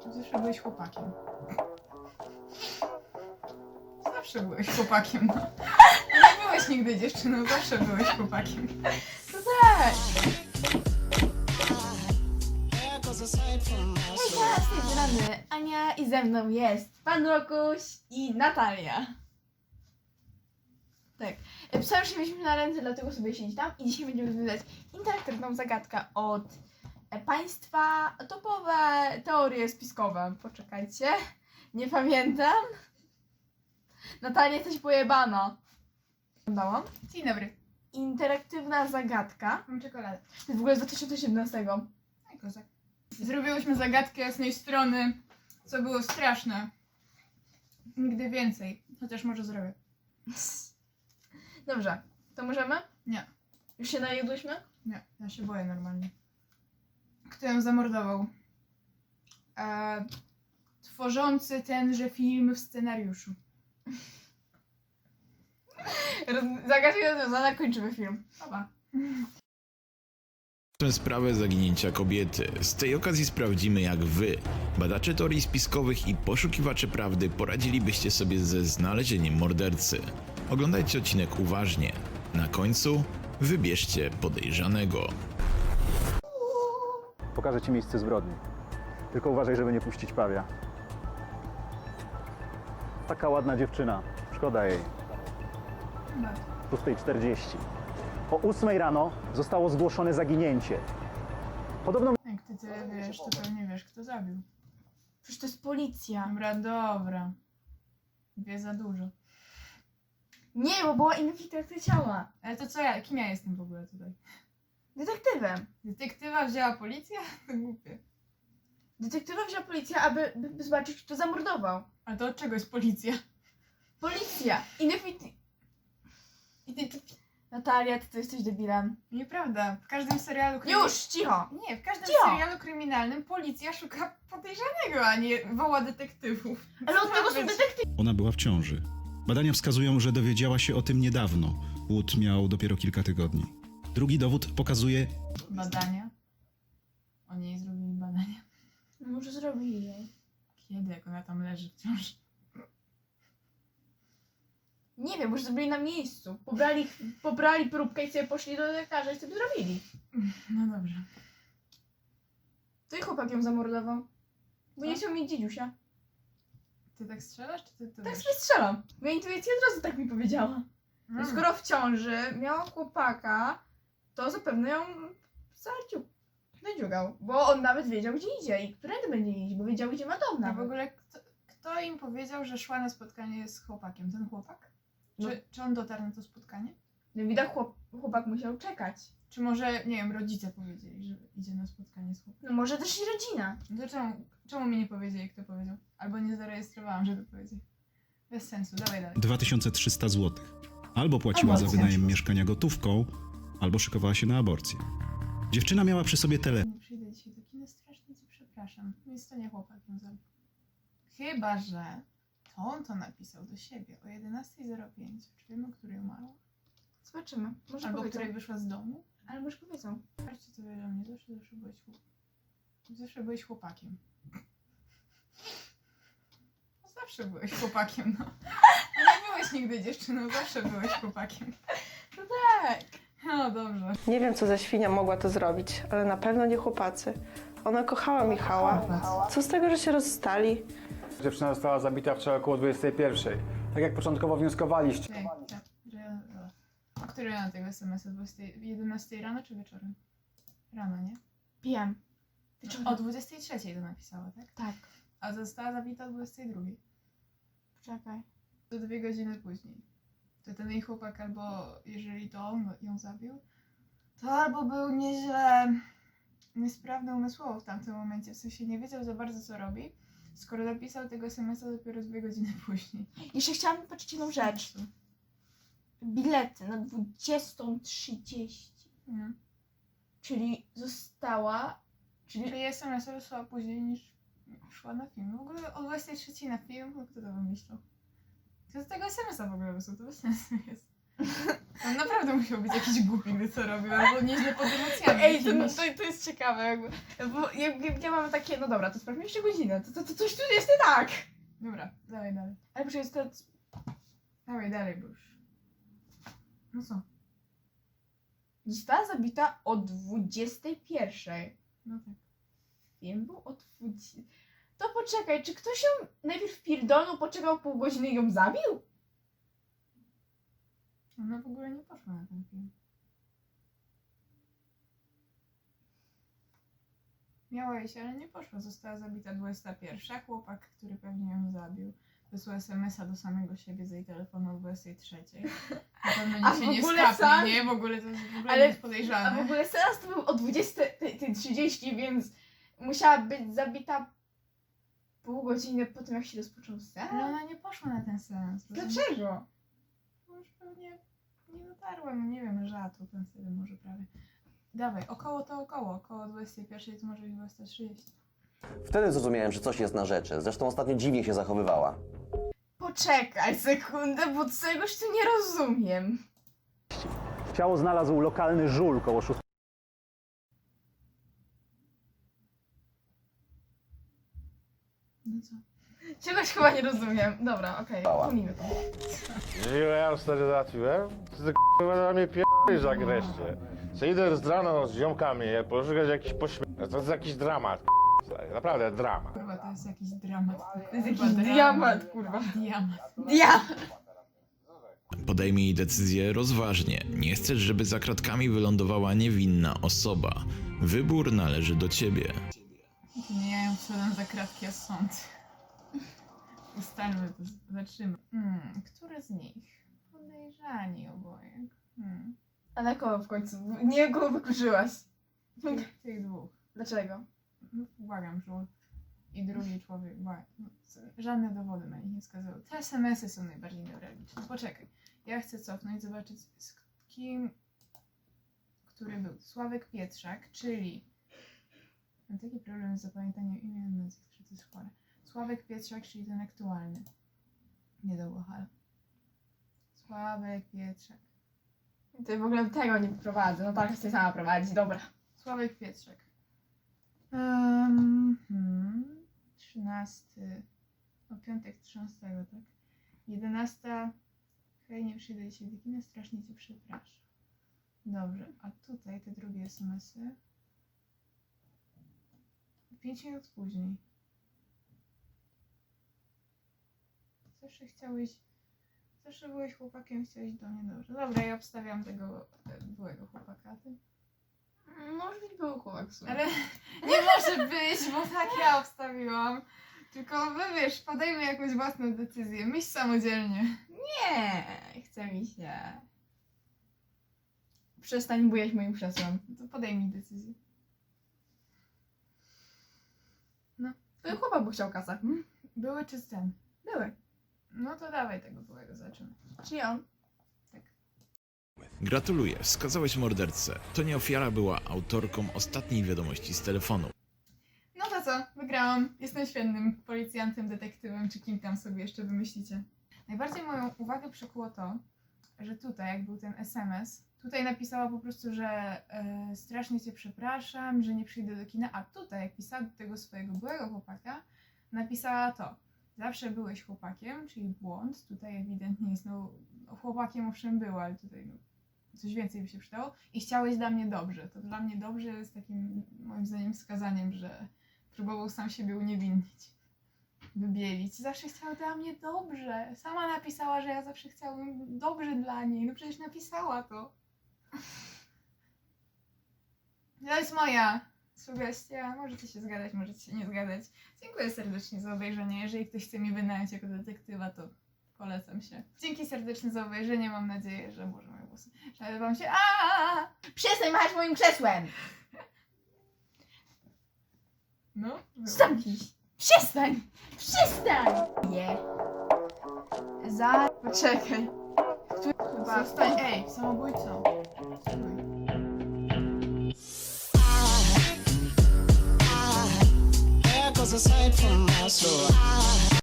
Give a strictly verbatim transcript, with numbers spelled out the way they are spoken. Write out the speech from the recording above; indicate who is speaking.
Speaker 1: Zawsze byłeś chłopakiem. Zawsze byłeś chłopakiem, no. Nie byłeś nigdy dziewczyną, zawsze byłeś chłopakiem.
Speaker 2: No tak! Hejka, z tej strony Ania i ze mną jest Pan Rokuś i Natalia. Tak. Pisałem, że mieliśmy na ręce, dlatego sobie siedzi tam i dzisiaj będziemy rozwiązać interaktywną zagadkę od e, państwa topowe teorie spiskowe. Poczekajcie. Nie pamiętam. Natalia, jesteś pojebana. Oglądałam.
Speaker 1: Dzień dobry.
Speaker 2: Interaktywna zagadka.
Speaker 1: Mam czekoladę.
Speaker 2: To jest w ogóle z dwa tysiące siedemnastego.
Speaker 1: Aj, kozak. Zrobiłyśmy zagadkę jasnej strony, co było straszne. Nigdy więcej. Chociaż może zrobię.
Speaker 2: Dobrze, to możemy?
Speaker 1: Nie.
Speaker 2: Już się najedłyśmy?
Speaker 1: Nie, ja się boję normalnie. Kto ją zamordował? E, tworzący tenże film w scenariuszu.
Speaker 2: Roz- Zagadka rozwiązana, kończymy film.
Speaker 1: Oba.
Speaker 3: Tę sprawę zaginięcia kobiety. Z tej okazji sprawdzimy, jak wy, badacze teorii spiskowych i poszukiwacze prawdy, poradzilibyście sobie ze znalezieniem mordercy. Oglądajcie odcinek uważnie. Na końcu wybierzcie podejrzanego.
Speaker 4: Pokażę ci miejsce zbrodni. Tylko uważaj, żeby nie puścić pawia. Taka ładna dziewczyna. Szkoda jej. szósta czterdzieści. O ósmej rano zostało zgłoszone zaginięcie. Podobno
Speaker 1: Jak ty tyle wiesz, to pewnie wiesz, kto zabił.
Speaker 2: Przecież to jest policja.
Speaker 1: Dobra, dobra. Wie za dużo.
Speaker 2: Nie, bo była infiltracja ciała.
Speaker 1: Ale to co ja, kim ja jestem w ogóle tutaj?
Speaker 2: Detektywem.
Speaker 1: Detektywa wzięła policja? To głupie.
Speaker 2: Detektywa wzięła policja, aby by, by zobaczyć, kto zamordował.
Speaker 1: A to od czego jest policja?
Speaker 2: Policja. Infiltracja.
Speaker 1: I ty, ty,
Speaker 2: Natalia, ty, ty jesteś debilem.
Speaker 1: nieprawda. W każdym serialu krymi-
Speaker 2: Już, cicho.
Speaker 1: Nie, w każdym
Speaker 2: Cicho.
Speaker 1: serialu kryminalnym policja szuka podejrzanego, a nie woła detektywów.
Speaker 2: Ale od
Speaker 1: Co
Speaker 2: tego
Speaker 1: ma
Speaker 2: są
Speaker 1: być?
Speaker 2: detektywy.
Speaker 5: Ona była w ciąży. Badania wskazują, że dowiedziała się o tym niedawno. Płód miał dopiero kilka tygodni. Drugi dowód pokazuje,
Speaker 1: Badania? O niej zrobili badania.
Speaker 2: Może zrobili jej.
Speaker 1: Kiedy, jak ona tam leży wciąż?
Speaker 2: Nie wiem, może zrobili na miejscu. Pobrali, pobrali próbkę i sobie poszli do lekarza i sobie zrobili.
Speaker 1: No dobrze.
Speaker 2: To i chłopak ją zamordował. Bo
Speaker 1: Co?
Speaker 2: nie chciał mieć dziedziusia.
Speaker 1: Ty tak strzelasz, czy ty to
Speaker 2: Tak
Speaker 1: wiesz?
Speaker 2: sobie strzelam. Moja intuicja od razu tak mi powiedziała.
Speaker 1: Mm.
Speaker 2: Skoro w ciąży miała chłopaka, to zapewne ją zadziu- zadziugał. Bo on nawet wiedział, gdzie idzie i którędy będzie iść, bo wiedział, gdzie ma dom
Speaker 1: A w
Speaker 2: nawet.
Speaker 1: ogóle kto, kto im powiedział, że szła na spotkanie z chłopakiem? Ten chłopak?
Speaker 2: No.
Speaker 1: Czy, czy on dotarł na to spotkanie?
Speaker 2: No widać, chłop, chłopak musiał czekać.
Speaker 1: Czy może, nie wiem, rodzice powiedzieli, że idzie na spotkanie z chłopakiem?
Speaker 2: No może też i rodzina.
Speaker 1: No to czemu, czemu mi nie powiedzieli, kto powiedział? Albo nie zarejestrowałam, żeby powiedzieć. Bez sensu, dawaj dalej.
Speaker 5: dwa tysiące trzysta złotych. Albo płaciła za
Speaker 2: Aborcja.
Speaker 5: wynajem mieszkania gotówką, albo szykowała się na aborcję. Dziewczyna miała przy sobie telefon.
Speaker 1: Nie przyjdę dzisiaj do kina, strasznie cię przepraszam. Więc to nie chłopak ją zabił. Chyba, że to on to napisał do siebie o jedenasta zero pięć. Czy wiemy, o której umarła?
Speaker 2: Zobaczymy. Może
Speaker 1: Albo o
Speaker 2: powiedzą.
Speaker 1: której wyszła z domu?
Speaker 2: Ale może powiedzą.
Speaker 1: Patrzcie, co wiesz o mnie. Zawsze, zawsze byłeś chłopakiem. Zawsze byłeś chłopakiem. No, zawsze byłeś chłopakiem, no. Nie byłeś nigdy dziewczyną, zawsze byłeś chłopakiem.
Speaker 2: No tak.
Speaker 1: No dobrze.
Speaker 6: Nie wiem, co za świnia mogła to zrobić, ale na pewno nie chłopacy. Ona kochała Michała. Co z tego, że się rozstali?
Speaker 4: dziewczyna została zabita wczoraj około dwudziestej pierwszej. Tak jak początkowo wnioskowaliście.
Speaker 1: Ej, tak, że... O której rano tego es em es a? jedenastej rano czy wieczorem? Rano, nie?
Speaker 2: Wiem. Ty
Speaker 1: No,
Speaker 2: czego?
Speaker 1: o dwudziestej trzeciej to napisała, tak?
Speaker 2: Tak.
Speaker 1: A została zabita o dwudziestej drugiej.
Speaker 2: Poczekaj.
Speaker 1: To dwie godziny później. To ten jej chłopak albo, jeżeli to on ją zabił, to albo był nieźle niesprawny umysłowo w tamtym momencie, w sensie nie wiedział za bardzo, co robi, skoro napisał tego es em es a dopiero dwie godziny później.
Speaker 2: Jeszcze chciałam powiedzieć jedną rzecz. Bilety na dwudziestą trzydzieści.
Speaker 1: Nie.
Speaker 2: Czyli została... Czyli
Speaker 1: Czyli es em es a wysłała później niż szła na film. W ogóle o dwudziestej trzeciej na film? No kto to wymyślał? Kto z tego es em es a w ogóle wysłał? To bez sensu jest. On naprawdę musiał być jakiś głupi, gdy to robił, albo nieźle pod emocjami.
Speaker 2: Ej, to, no,
Speaker 1: jakimiś.
Speaker 2: to, to jest ciekawe, jakby, bo jak, jak ja mam takie, no dobra, to sprawdźmy jeszcze godzinę, to, to, to coś tu jest nie tak.
Speaker 1: Dobra, dawaj dalej.
Speaker 2: Ale przecież to,
Speaker 1: Dawaj dalej, bo już. No co?
Speaker 2: została zabita o dwudziestej pierwszej.
Speaker 1: No tak.
Speaker 2: Film był o dwudziestej. To poczekaj, czy ktoś ją najpierw pierdolnął, poczekał pół godziny i ją zabił?
Speaker 1: Ona w ogóle nie poszła na ten film. Miała iść, ale nie poszła. Została zabita dwudziesta pierwsza. Chłopak, który pewnie ją zabił, wysłał es em es a do samego siebie z jej telefonu o dwudziestej trzeciej. Na pewno
Speaker 2: A
Speaker 1: nikt się
Speaker 2: w
Speaker 1: nie
Speaker 2: ogóle
Speaker 1: skapnie,
Speaker 2: sam-
Speaker 1: nie? W ogóle to jest w ogóle
Speaker 2: Ale-
Speaker 1: nic
Speaker 2: A w
Speaker 1: podejrzane.
Speaker 2: ogóle seans to był o dwudziestej trzydzieści, więc musiała być zabita pół godziny po tym, jak się rozpoczął
Speaker 1: Ale
Speaker 2: seans.
Speaker 1: ona nie poszła na ten seans.
Speaker 2: Dlaczego?
Speaker 1: Bo już pewnie nie dotarła, no nie wiem, rzadko ten wtedy może prawie. Dawaj, około to około, około dwudziestej pierwszej to może być dwudziesta trzydzieści.
Speaker 7: Wtedy zrozumiałem, że coś jest na rzeczy. Zresztą ostatnio dziwnie się zachowywała.
Speaker 2: Poczekaj sekundę, bo czegoś tu nie rozumiem.
Speaker 4: Ciało znalazł lokalny żul koło szóstej.
Speaker 1: No co?
Speaker 2: Czegoś chyba nie rozumiem. Dobra, okej,
Speaker 7: Bała.
Speaker 2: pomijmy to.
Speaker 8: Ile ja już wtedy załatwiłem? Ty k***a na mnie p***isz jak wreszcie. Co idę z rano z ziomkami, ja poszukać jakiś pośmiech. To jest jakiś dramat, k***a. Naprawdę dramat.
Speaker 1: Kurwa, to jest jakiś dramat.
Speaker 2: To jest jakiś diamat, kurwa.
Speaker 1: Diamat.
Speaker 2: Ja!
Speaker 3: Podejmij decyzję rozważnie. Nie chcesz, żeby za kratkami wylądowała niewinna osoba. Wybór należy do ciebie.
Speaker 1: To nie ja ją wszedłem za kratki, a sąd. Ustalmy to, zobaczymy. Hmm, który z nich? Podejrzani oboje. Hmm.
Speaker 2: A na kogo w końcu? Nie kogo wykluczyłaś.
Speaker 1: Tych, tych dwóch.
Speaker 2: Dlaczego?
Speaker 1: No, błagam, żul. I drugi człowiek, błagam. No, co- żadne dowody na nich nie wskazują. Te es em esy są najbardziej newralgiczne. Poczekaj. Ja chcę cofnąć, zobaczyć z kim, który był. Sławek Pietrzak, czyli... Mam taki problem z zapamiętaniem imion i nazwisk, że to jest chore. Sławek Pietrzak, czyli ten aktualny. Nie do Łochal. Sławek Pietrzak.
Speaker 2: To ja w ogóle tego nie prowadzę. No tak, chcę sama prowadzić, dobra.
Speaker 1: Sławek Pietrzak. Um, hmm, trzynasty. O piątek trzynastego, tak? jedenasta. Hej, nie przyjdę dzisiaj do kina, strasznie cię przepraszam. Dobrze, a tutaj te drugie es em esy. Pięć minut później. Zawsze chciałeś... Zawsze byłeś chłopakiem, chciałeś do mnie dobrze. Dobra, ja obstawiam tego e, byłego chłopaka, ty?
Speaker 2: Może być był chłopak w sumie.
Speaker 1: Ale nie może być, bo tak ja obstawiłam. Tylko wy wiesz, podejmę jakąś własną decyzję. Myśl samodzielnie.
Speaker 2: Nie, chce mi się. Przestań bujać moim krzesłem.
Speaker 1: To podejmij decyzję.
Speaker 2: To chłopak by chciał kasę. Hmm?
Speaker 1: Były czy ten?
Speaker 2: Były.
Speaker 1: No to dawaj tego byłego, zobaczymy.
Speaker 2: Czyli on.
Speaker 3: Gratuluję, wskazałeś mordercę. To nie ofiara była autorką ostatniej wiadomości z telefonu.
Speaker 1: No to co? Wygrałam. Jestem świetnym policjantem, detektywem, czy kim tam sobie jeszcze wymyślicie. Najbardziej moją uwagę przykuło to, że tutaj, jak był ten es em es, tutaj napisała po prostu, że e, strasznie cię przepraszam, że nie przyjdę do kina, a tutaj, jak pisała do tego swojego byłego chłopaka, napisała to. Zawsze byłeś chłopakiem, czyli błąd. Tutaj ewidentnie jest, no, chłopakiem owszem było, ale tutaj no, coś więcej by się przydało. I chciałeś dla mnie dobrze. To dla mnie dobrze jest takim, moim zdaniem, wskazaniem, że próbował sam siebie uniewinnić, wybielić. Zawsze chciał dla mnie dobrze. Sama napisała, że ja zawsze chciałam dobrze dla niej. No przecież napisała to. To jest moja sugestia. Możecie się zgadzać, możecie się nie zgadzać. Dziękuję serdecznie za obejrzenie. Jeżeli ktoś chce mi wynająć jako detektywa, to polecam się. Dzięki serdecznie za obejrzenie. Mam nadzieję, że może moje głosy że wam się... Aaaa!
Speaker 2: Przestań machać moim krzesłem!
Speaker 1: No,
Speaker 2: Zamknij się. Przestań! Przestań! Nie. Za... Poczekaj.
Speaker 1: chyba... Stań, ej, samobójcą. Stój.
Speaker 9: There goes a sight from my soul.